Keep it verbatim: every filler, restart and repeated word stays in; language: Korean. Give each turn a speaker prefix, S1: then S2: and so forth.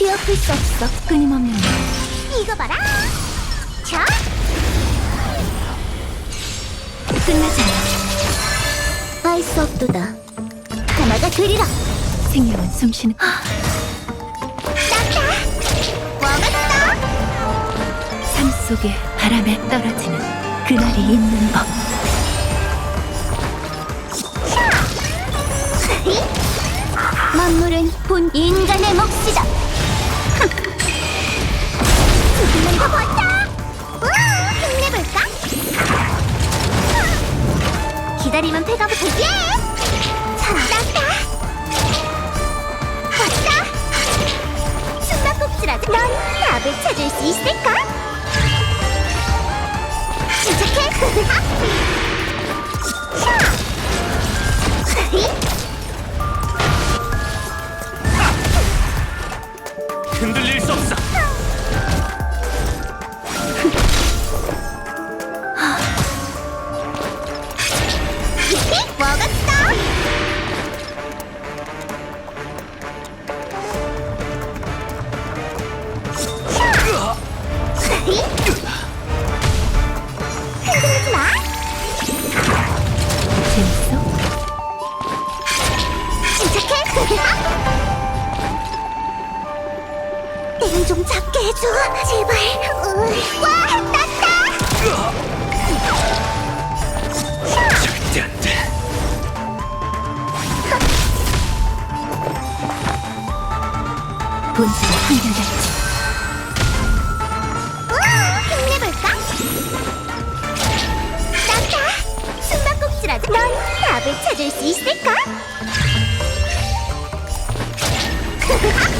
S1: 뛰어풀 수 없어. 끊임없는
S2: 이거 봐라. 자,
S1: 끝나지 않아.
S2: 알 수 없도다. 하나가 되리라.
S1: 생명은 숨쉬는
S2: 땄다. 먹었어.
S1: 삶 속에 바람에 떨어지는 그날이 있는 법.
S2: 만물은 본 인간의 몫이다. 조금만 더 버텨. 우와, 힘내볼까? 기다리면 배가 부르지. 찾았다. 왔다. 숨바꼭질하자. 넌 답을 찾을 수 있을까? 시작해. 샤.
S3: 흔들릴 수 없어.
S2: 먹었어. 흔들리지 마.
S1: 재밌어?
S2: 시작해. 땡 좀 잡게 해줘. 제발. 으, 와, 땄다.
S3: 절대 안 돼.
S1: 본질은 한결같이
S2: 우와, 힘내볼까? 땄다. 숨바꼭질하자. 넌 답을 찾을 수 있을까?